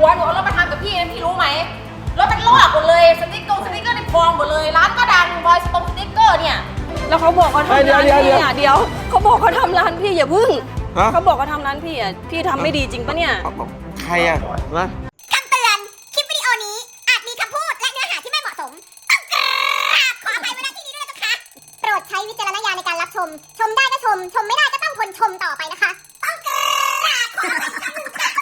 ผัวหนูเอารถมาทำกับพี่นะพี่รู้ไหมรถมันลอกหมดเลยสติ๊กเกอร์ในพองหมดเลยร้านก็ดังบอยสติ๊กเกอร์เนี่ยแล้วเขาบอกเขาทำร้านพี่อ่ะเดี๋ยวเขาบอกเขาทำร้านพี่อย่าพึ่งเขาบอกเขาทำร้านพี่อ่ะพี่ทำไม่ดีจริงปะเนี่ยใครอ่ะนะคำเตือน คลิปวิดีโอนี้อาจมีคำพูดและเนื้อหาที่ไม่เหมาะสมต้องกราบขออภัยไว้ณที่นี้ด้วยนะคะโปรดใช้วิจารณญาณในการรับชม ชมได้ก็ชม ชมไม่ได้ก็ต้องทนชมต่อไปนะคะ ต้องกราบขออภัยคำหนึ่งค่ะ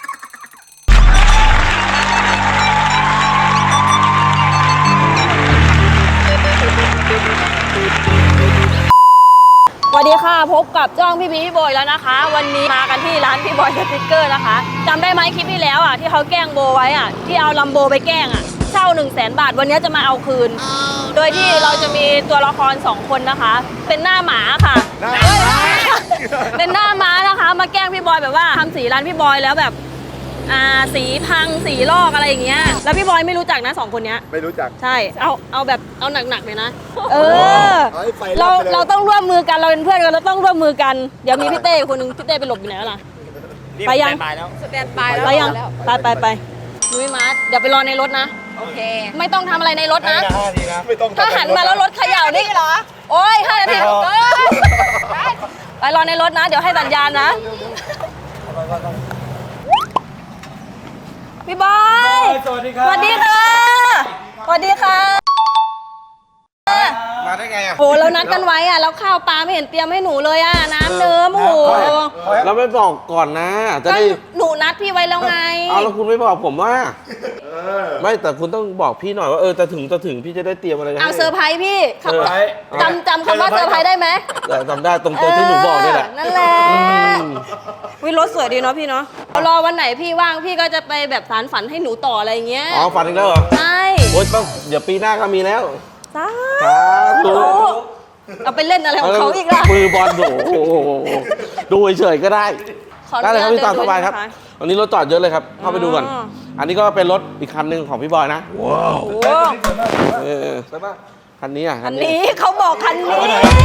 สวัสดีค่ะพบกับจ้องพี่บอยแล้วนะคะวันนี้มากันที่ร้านพี่บอยสติ๊กเกอร์นะคะจำได้ไหมคลิปที่แล้วอ่ะที่เขาแกล้งโบไว้อ่ะที่เอาลัมโบไปแกล้งอ่ะเช่า 100,000 บาทวันนี้จะมาเอาคืน โดยที่เราจะมีตัวละคร2คนนะคะเป็นหน้าหมาค่ะเป็นหน้าม้านะคะมาแกล้งพี่บอยแบบว่าทำสีร้านพี่บอยแล้วแบบสีพังสีลอกอะไรอย่างเงี้ยแล้วพี่บอยไม่รู้จักนะ2คนเนี้ยไม่รู้จักใช่เอาแบบเอาหนักๆเลยนะเราต้องร่วมมือกันเราเป็นเพื่อนกันเราต้องร่วมมือกันเดี๋ยวมีพี่เต้คนนึงพี่เต้ไปหลบอยู่ไหนแล้วล่ะไปยังสแตนบายแล้วไปยังไปนุ้ยมาร์ทเดี๋ยวไปรอในรถนะโอเคไม่ต้องทำอะไรในรถนะไม่ต้องถ้าหันมาแล้วรถเขย่านี่เหรอโอ้ย5 นาทีไปรอในรถนะเดี๋ยวให้สัญญาณนะพี่บอยสวัสดีครับสวัสดีค่ะสวัสดีค่ะมาได้ไงอ่ะโหเรานัดกันไว้อ่ะแล้วข้าวปลาไม่เห็นเตรียมให้หนูเลยอ่ะน้ำเนื้อโอ้โหเราไม่บอกก่อนนะจะได้หนูนัดพี่ไว้แล้วไงเอาแล้วคุณไม่บอกผมว่าไม่แต่คุณต้องบอกพี่หน่อยว่าจะถึงพี่จะได้เตรียมอะไรเอาเซอร์ไพรส์พี่จำคำว่าเซอร์ไพรส์ได้ไหมจำได้ตรงที่หนูบอกนี่แหละนั่นแหละวิรถสวยดีเนาะพี่เนาะรอวันไหนพี่ว่างพี่ก็จะไปแบบสารฝันให้หนูต่ออะไรเงี้ยอ๋อฝันอีกแล้วเหรอใช่โอ๊ยเดี๋ยวปีหน้าก็มีแล้วสาธุเอาไปเล่นอะไรของเขาอีกล่ะมือบอลดูเฉยๆก็ได้ได้เลยครับพี่ตามสบายครับวันนี้รถจอดเยอะเลยครับเข้าไปดูก่อนอันนี้ก็เป็นรถอีกคันหนึ่งของพี่บอยนะว้าวใช่ปะคันนี้อ่ะคันนี้เขาบอกคันนี้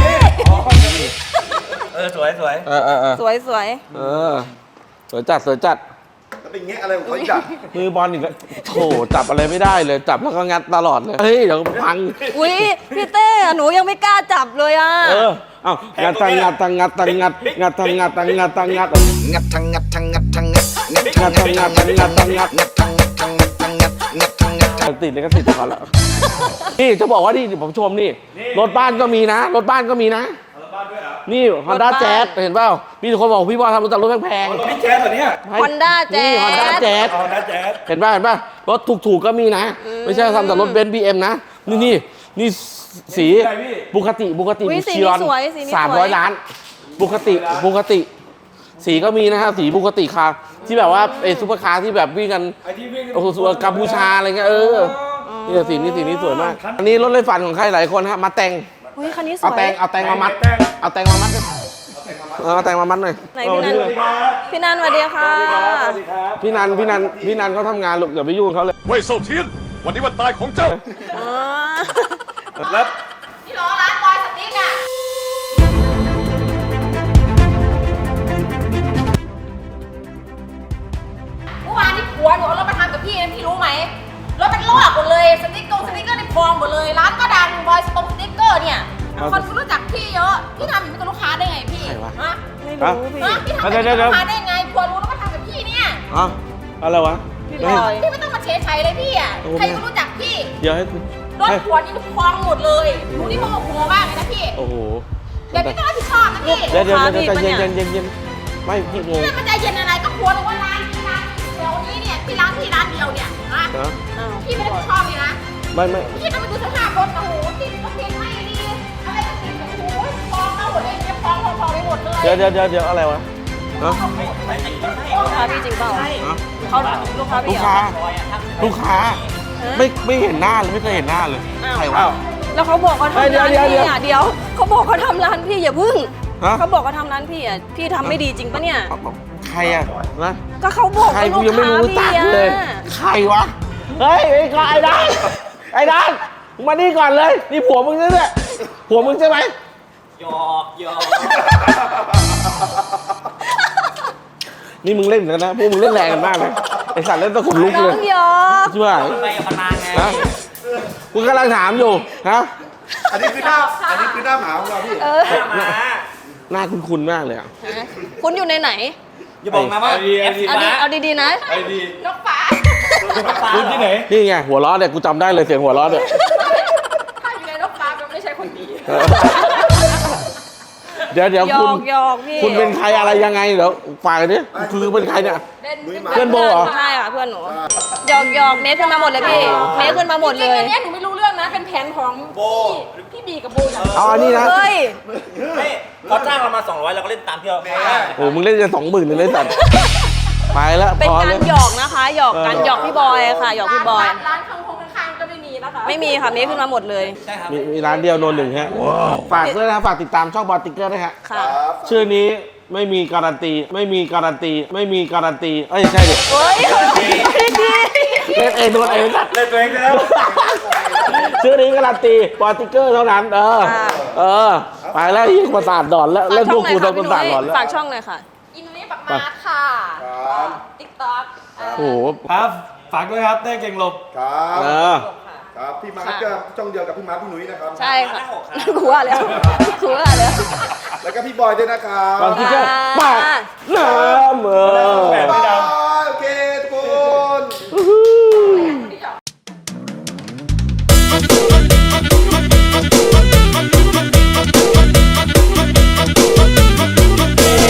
สวยสวยสวยจัดแล้วเป็นแงะอะไรของเขาอีกอ่ะมือบอลอีกแล้วโถจับอะไรไม่ได้เลยจับแล้วก็งัดตลอดเลยเฮ้ยเดี๋ยวพังอุ้ยพี่เต้หนูยังไม่กล้าจับเลยอ่ะงัดติดเลยก็ติดก่อนแล้วนี่จะบอกว่านี่ผมชมนี่รถบ้านก็มีนะรถบ้านก็มีนะนี่ Honda Jazz เห็นเปล่ามีคนบอกพี่บอยทำรถจากรถแพงๆพี่แจ๊สเหรอเนี่ย Honda Jazz เห็นป่ะรถถูกๆก็มีนะไม่ใช่ทำแต่รถเบนซ์ BM นะนี่สีบุคติชิรอน300 ล้านบุคติสีก็มีนะฮะสีบุคติคาร์ที่แบบว่าซุปเปอร์คาร์ที่แบบวิ่งกันโอ้โหกัมพูชาอะไรเงี้ยนี่สีนี้สวยมากอันนี้รถเลยฝันของใครหลายคนฮะมาแต่งคันนี้สวยเอาแตงมามัดเอาแตงมามัดหน่อยไหนพี่นันสวัสดีค่ะพี่นันเขาทำงานลูกอย่าไปยุ่งเขาเลยเว่ยโซเทียนวันนี้วันตายของเจ้าแล้วพี่ล้อร้านบอยสติ๊กอ่ะเมื่อวานที่ผัวหนูเอารถมาทำกับพี่นะพี่รู้ไหมรถมันลอกหมดเลยสติ๊กเกอร์ในพองหมดเลยร้านก็ดังบอยสติ๊กเกอร์เนี่ยคนรู้จักพี่เยอะพี่ทำอย่างนี้กับลูกค้าได้ไงพี่ไม่รู้พี่ทำอย่างนี้กับลูกค้าได้ไงผัวรู้แล้วมาทำกับพี่เนี่ยอะไรวะพี่ไม่ต้องมาเฉยเลยพี่อ่ะใครก็รู้จักพี่เดี๋ยวให้รถผัวนี่พองหมดเลยรู้นี่โมโหมากเลยนะพี่โอ้โหเดี๋ยวพี่ต้องรับผิดชอบนะพี่เดี๋ยวใจเย็นไม่พี่งงมันใจเย็นอะไรก็ผัวหรือว่าร้านเดี๋ยวนี้เนี่ยพี่ร้านเดียวเนี่ยพี่ไม่ได้ผิดชอบเลยนะไม่พี่ต้องไปดูสภาพรถนะโหติดก็ติดไม่ดีอะไรก็ติดโอ้โหพองเอาหมดเลยเนี่ยพองไปหมดเลยเดี๋ยวอะไรวะลูกค้าพี่จริงเปล่าเขาลูกค้าไม่เห็นหน้าเลยไม่เคยเห็นหน้าเลยใครวะแล้วเขาบอกเขาทำร้านพี่อ่ะเดี๋ยวเขาบอกเขาทำร้านพี่อย่าพึ่งเขาบอกเขาทำร้านพี่อ่ะพี่ทำไม่ดีจริงปะเนี่ยใครอ่ะนะก็เขาบอกใครกูยังไม่รู้จักเลยใครวะเฮ้ยไอ้ด้านมานี่ก่อนเลยนี่ผัวมึงนี่แหละผัวมึงใช่ไหมหยอกนี่มึงเล่นกันนะพวกมึงเล่นแรงกันมากเลยไอสัตว์เล่นตะขนลุกน้เลอย งหยอกใช่ไหมไปกับพนางไงฮะกูกำลังถามอยู่ฮะอันนี้คือหน้าหมาของเราพี่เออหมาหน้าคุ้นๆมากเลยอ่ะคุณอยู่ในไหนอย่าบอกนะว่าเอาดีๆนะไอ้ดีนกฟ้าคุณที่ไหนนี่ไงหัวล้อเนี่ยกูจำได้เลยเสียงหัวล้อเนี่ยถ้าอยู่ในนกฟ้าก็ไม่ใช่คนดีเดี๋ยวหยคุอณกหยอกพี่คุณเป็นใครอะไรยังไงเดี๋ยวฝากกันดิคือเป็นใครเนี่ย เพื่อนโบเหรอใช่ค่ะเพื่อนหนูหยอกเมคขึ้นมาหมดเลยพี่เมคขึ้นมาหมดเลยอันนี้หนูไม่รู้เรื่องนะ เป็นแผนของพี่บีกับโบอย่างเอาอันนี้นะเฮ้ยไม่เขาจ้างเรามา200เราก็เล่นตามที่เราโอ้มึงเล่นจะ20,000เลยเลยสัตว์ไปแล้วเป็นพอการแล้วหยอกนะคะหยอกกันหยอกพี่บอยค่ะหยอกพี่บอยร้านข้างๆก็ไม่มีนะคะไม่มีค่ะเมคขึ้นมาหมดเลยใช่ครับมีร้านเดียวโนนหนึ่งฮะฝากด้วยนะครับฝากติดตามช่องบอลติ๊กเกอร์ด้วยฮะค่ะชื่อนี้ไม่มีการันตี ไม่มีการันตี ไม่มีการันตี เอ้ยใช่ดิเฮ้ยดีเล่นเองโดนเองสัตว์เล่นตัวเองแล้วชื่อนี้การันตีบอลติ๊กเกอร์เท่านั้น เออ ไปแล้วยิ่งประสาทหลอนแล้วเล่นพวกกูโดนประสาทหลอนแล้วฝากช่องเลยค่ะอินนี้ปักมาร์ทค่ะครับติ๊กต็อกโอ้โหครับฝากด้วยครับเต้เก่งหลบครับเออครับพี่มาร์คก็ช่องเดียวกับพี่มาร์คพี่หนุ่ยนะครับใช่ค่ะกูว่าแล้วกูว่าแล้วแล้วก็พี่บอยด้วยนะครับบอลติ๊กเกอร์ปากน้ำแบบไม่ดำ